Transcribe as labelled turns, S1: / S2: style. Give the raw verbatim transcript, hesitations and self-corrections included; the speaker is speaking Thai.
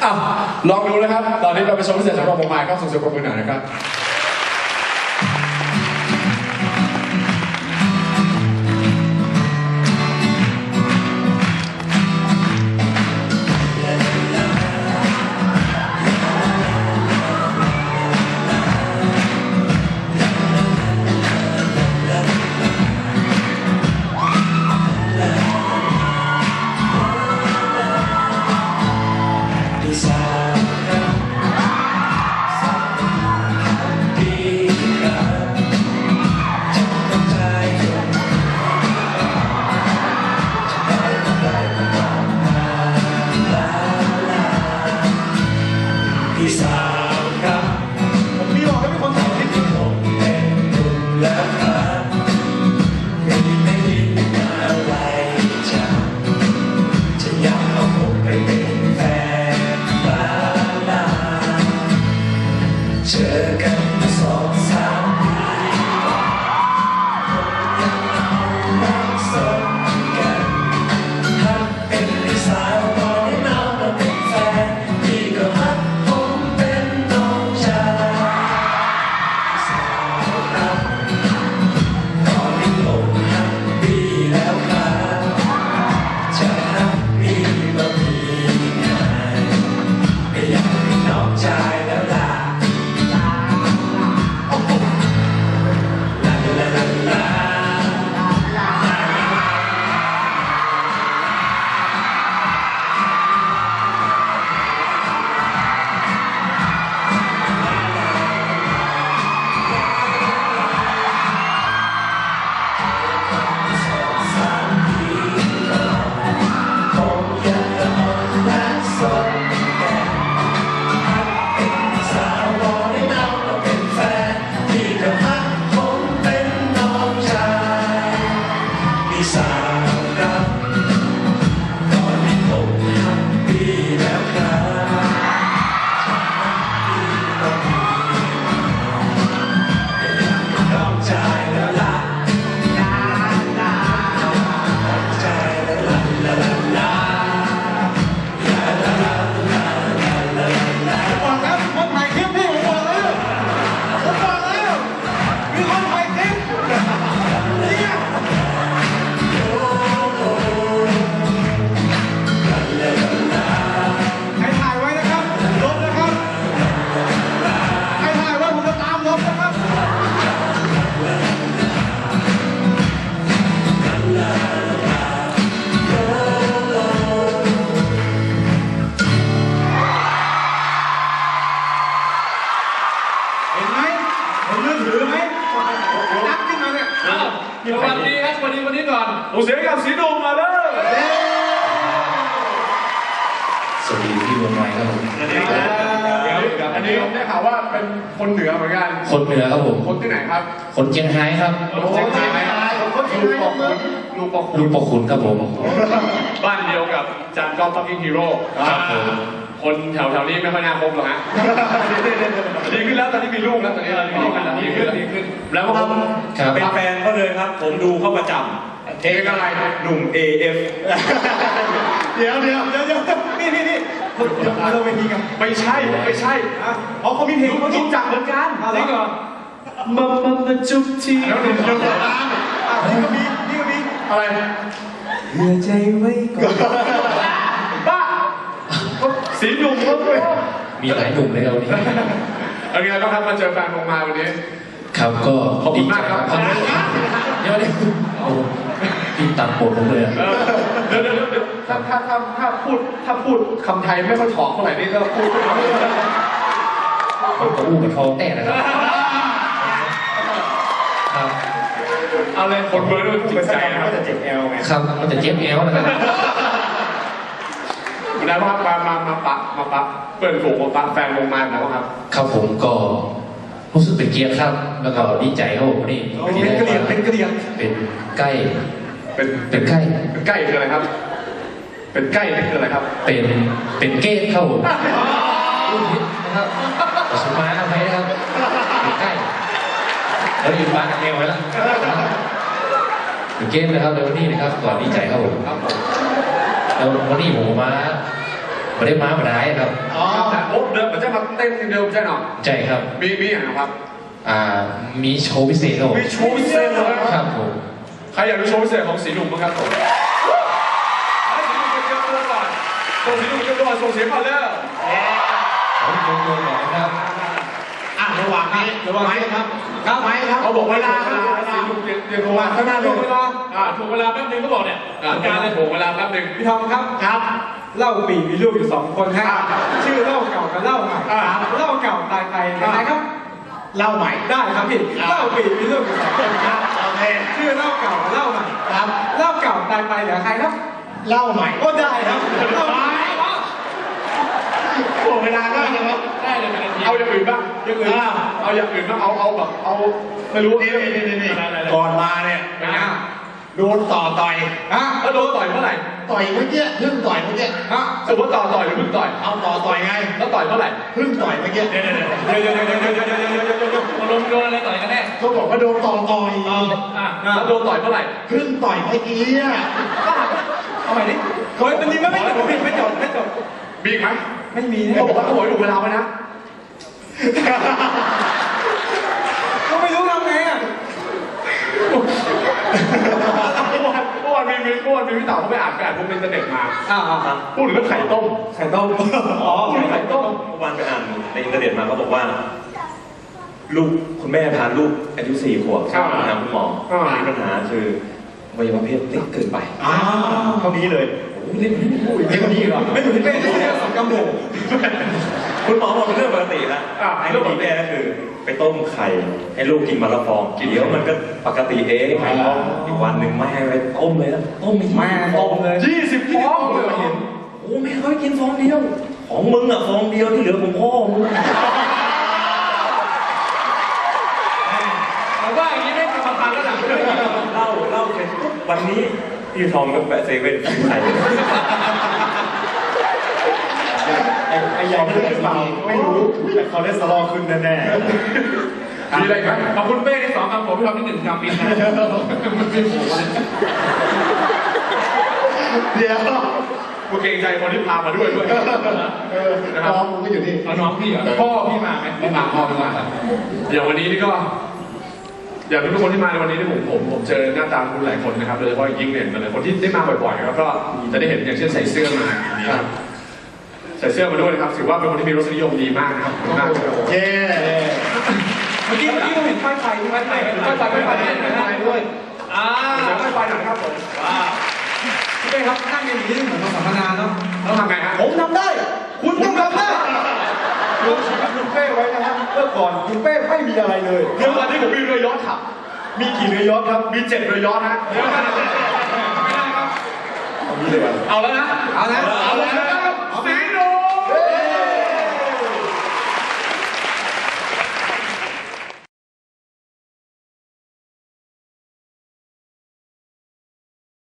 S1: อ้าวลองดูนะครับตอนนี้เราไปชมพิเศษสำหรับผมมาครับส่งเสียงปรบมือหน่อยนะครับ
S2: พี่สาวครับผมพี่บอกให้เป็นคนถ่ายคลิปที่ผมเป็นหนุ่มแล้วครับไม่ได้ไม่ได้มาอะไรจะจะอยากเอาผมไปเป็นแฟนบ้าลาเจอกันมาสองสามปีผมยังเอารักสนกันฮักเป็นพี่สาวตอนนี้เรามาเป็นแฟนพี่ก็ฮักสาวครับตอนนี้ผมฮัปปี้แล้วครับจะฮัปปี้ก็มีไม่อยากเป็นน้องชายแล้วล่ะน้องชายแล้วล่ะลาลาลาลาลาลาลาลาลาบอกแล้วคนถ่ายคลิปพี่ผมบอกแล้วผมบอกแล้วมีคนถ่ายคลิปเนี่ย
S1: สวัสดีครับสวัสดีวันนี้ก่อน
S2: ส่งเสียงกับสีดวงมาเลย
S3: สวัสดีพี่วงไม้ครับผม
S1: อันนี้อันนี้ผมได้ข่าวว่าเป็นคนเหนือเหมือนกัน
S3: คนเหนือครับผม
S1: คนที่ไหนครับ
S3: คนเชียงรายครับ
S1: เชียงรายคนเชียงรายลูกปอกลูกปอก
S3: ลูกปอคุณครับผม
S1: บ้านเดียวกับจานก้องฟักกิ้งฮีโร่
S3: ครับผม
S1: คนแถวแถวนี้ไม่ค่อยน่าคบหรอกฮะดีขึ้นแล้วตอนนี้มีลูกแล้วตอนนี้ดีขึ้นดีขึ้นดีขึ้นแล้วก็ผม
S2: เป็นแฟนเขาเลยครับผมดูเขาประจำ
S1: เองอะไร
S2: หนุ่ม เอ เอฟ เดี๋ยวเดี๋ยวเดี๋ยวเดี๋ยวนี่นี่นี่เราไปทีกัน
S1: ไม่ใช่ไม่ใช่
S2: อ๋อเขามีเพลงเขาจริงจังเหมือนกัน
S1: จริงเหรอ
S3: มามามาจุ๊บที
S1: แล้วหนุ่มหนุ่ม
S2: นี่ก็มีนี่ก็มี
S1: อะไร
S2: เหลือใจไว้ก่อน
S1: บ้าสีหนุ่มก็ด้วย
S3: มีหลายหนุ่มเลยเราเนี่ย
S1: เอางี้แล้วครับมาเจอแฟนผมมาวันนี้
S3: ครับก็
S1: ขอบคุณมากครับ
S3: เดี๋ยวเดี๋ยวพี่ตัดบทผมเลย
S1: เดี๋ยวเดี๋ยวเดี๋ยวถ้าถ้าถ้าถ้าพูดถ้าพูดคำไทยไม่ค่อยถอกเท่าไหร่นี่ก็พูด
S3: ผมก็อู้กับทองแต่นะครับครับ
S1: เอาเลยคนเบอร์ด้วยจิตใจนะครับ
S2: จะเจ็บแอลไง
S3: ครับมันจะเจ็บแอลนะครับ
S1: แล้วว่ามามามาปะมาปะเปิดฝูงมาปะแฟนลงมาแล้วครับ
S3: ครับผมก็รู้สึกเป็นเกียรติครับแล้วก็ดีใจครับผมนี่
S2: เป็นกระเดียงเป็นกระเดียง
S3: เป็นใกล้
S1: เป็น
S3: เป็นใกล้
S1: เป็นใกล้คืออะไรครับเป็นใกล้นี่คืออะไรครับ
S3: เป็นเป็นเกตครับผมนะครับขอสมาร์ทไปนะครับเป็นใกล้แล้วยืนบ้านกับแมวไว้แล้วเป็นเกมนะครับในวันนี้นะครับก่อนดีใจครับผมแล้ววันนี้ผมมาไม่ได้มาไม่ได้ครับ
S2: อ๋อ
S1: โอ้เดินเหมือนจะมาเต้นทีเดียวใช่หรอ
S3: ใช่ครับ
S1: มีมีอย่างครับ
S3: อ่ามีโชว์พิเศษครับผม
S1: มีโชว์พิเศษเลย
S3: ครับผม
S1: ใครอยากดูโชว์พิเศษของสีหนุ่มบ้างครับผมให้สีหนุ่มเตรียมตัวก่อนส่งสีหนุ่มเตรียมตัวก่อนส่งเสียงก่อนเร็ว
S3: ผมโชว์ตัวก่อนนะครับ
S2: อ่ะระหว่างนี้ระหว่างนี้ครับครับไหมครับ
S1: เขาบอกเวลา
S2: เว
S1: เว
S2: ลา
S1: ลา
S2: เวลา
S1: สีหนุ่มเตรียมเตรียมตัว
S2: ข้างหน้าเลย
S1: ถูกเวลาอ่าถูกเวลาแป๊บนึงก็บอกเนี่ยการเลยถูกเวลาแป๊บนึง
S4: พี่ทอมครับ
S2: ครับ
S4: เหล้าปีมีลูกอยู่สองคนครับชื่อเหล้าเก่ากับเหล้าใหม่
S2: อ่า
S4: เหล้าเก่าตายไปยังไงครับ
S2: เล่าใหม่
S4: ได้ครับพี่เหล้าปีมีลูกอยู่สองคน
S2: ค
S4: ค
S2: รั
S4: รั
S2: บบโอเค
S4: ชื่อเหล้าเก่ากับเหล้าใหม่
S2: ครับ
S4: เหล้าเก่าตายไปเหลือใครครับ
S2: เล่าใหม่
S4: ก็ได้ครับเหล้าใหม่
S2: โอ้เวลาได้ยังครับ
S1: ได้เลยเอาอย่างอื่นบ้างอย่างอื่นเอาอย่างอื่นบ้างเอาเอาแบบเอาไม่รู้
S2: นี่นี่นี่นี่ก่อนมาเนี่ย
S1: เป็นไง
S2: โดนต่อต่อย
S4: ฮะ
S1: แล้วโดนต่อยเมื่อไหร่
S2: ต่อยเมื่อกี้พึ่งต่อยเมื่อกี้
S4: ฮะ
S1: สมมติต่อต่อยหรือพึ่งต่อย
S2: เอาต่อต่อยไง
S1: แล้วต่อยเมื่อไหร่
S2: พึ่งต่อยเมื่อกี้เดี๋ยวเดี๋ยวเดี๋ยว
S4: เดี๋ยวเดี๋ยวเดี๋ยวเดี๋ยวเดี๋ยวเดี๋ยวเดี๋ยวเดี๋ยวเดี๋ยว
S1: โดนโดนอะไรต่อยกันแน่
S2: เขาบอกว่าโดนต่อต่อย
S1: อ่ะแล้วโดนต่อยเมื่อไหร่
S2: พึ่งต่อยเมื่อกี้อ่ะ
S4: เอาใหม่ดิเฮ้ยมันนี้ไม่ไม่จบพี่ไม่จบไม่จบ
S1: มีอีกไหม
S4: ไม่มี
S1: เขาบอกว่าเขาบอกให้ดูเวลาไว้นะ
S4: ก็ไม่รู้ทำไงอ่ะ
S1: เมื่อวานเมื่อวานมีเมื่อวานมีพี่เต๋าเขาไปอ่านไปอ่านพวกในอินเทอร์เน็ตมา
S4: อ่าอ่า
S1: พูดถึงเรื่องไข่ต้ม
S4: ไข่ต้มอ๋อ
S1: พูดถึงไข่ต้ม
S5: เมื่อวานไปอ่านในอินเทอร์เน็ตมาเขาบอกว่า ลูกคุณแม่พาลูกอายุสี่ขวบเข้าหาคุณหมอมีปัญหาคืออวัยวะเพศเล็กเกินไป
S2: อ้าวเท่านี้เลย
S5: โอ้โหเล็กโอ้ย
S2: เท่านี้เหรอ
S4: ไม่เหมือนที่เป็นที่เรียกสองกำโบก
S5: คุณหมอบอกเป็นเรื่องปกตินะให้ลูกกินแม่ก็คือ ไปต้มไข่ให้ลูกกินมาละฟองกินเดี๋ยวมันก็ปกติเองไข่ต้มอีกวันหนึ่งแม่ไปต้มเลยนะต้มไม่
S4: แม่ต้มเลย
S1: ยี่สิบฟองเลย
S4: เห็น
S5: โอ้แม่เขาให้กินฟองเดียว ของมึงอ่ะฟองเดียวที่เหลือของพ่อมึง
S1: แต่ว่าอย่างนี้ไม่ทำทานแล้วหนักเลย
S5: เล่าเล่าเสร็จปุ๊บวันนี้พี่ทอมก็แวะเซเว่นซื้อไข่
S2: ไอ้ใหญ่ไม่รู้เปล่าไม่รู้แต่คอเลสเตอรอลขึ้นแน่
S1: มีอะไรไหมขอบคุณเป้ที่สองคำผมพี่ทำที่หนึ่งคำปีนะมันเป็นผมเลย
S2: ๆเดี๋ยว
S1: กูเกรงใจคนที่พามาด้วยด้วย
S2: เออน้องมึงก็อยู่นี่
S1: เอาน้องพี่เหรอพ่อพี่มาไหมไม่มาพ่อไม่มาอย่างวันนี้นี่ก็ อยากทุกคนที่มาในวันนี้ที่ผมผมผมเจอหน้าตาคุณหลายคนนะครับโดยเฉพาะยิ่งเนี่ยหลายคนที่ได้มาบ่อยๆแล้วก็จะได้เห็นอย่างเช่นใส่เสื้อมาอย่างนี้ครับใส่เสื้อมาด้วยนะครับถือว่าเป็นคนที่มีรสนิยมดีมากนะครับขอบคุณมากครับ
S2: เย้
S4: เมื่อกี้เมื่อกี้เราเห็นป้ายไฟป้ายไฟ
S1: ป้ายไฟป้ายไฟป้ายไฟด้วย
S4: อ่า
S1: ป้ายไฟหน่อยครับผม
S4: พี่เป้ครับนั่งกันอย่างนี้เหมือนเราสัมมนาเนาะ
S1: ต้องทำไงฮะ
S2: ผมทำได้ คุณต้องทำได้
S4: รวมชีวิตคุณเป้ไว้นะครับเมื่อก่อนคุณเป้ไม่มีอะไรเลย
S1: เดี๋ยววันนี้ผมมีเรือยอชต์ขับ
S4: มีกี่เรือยอชต์ครับ
S1: มีเจ็ดเรือยอชต์นะไม่ได้ครับ
S2: เอางี้เลย
S1: เอาแล้วนะ
S4: เอานะ
S1: เอาแล้วนะ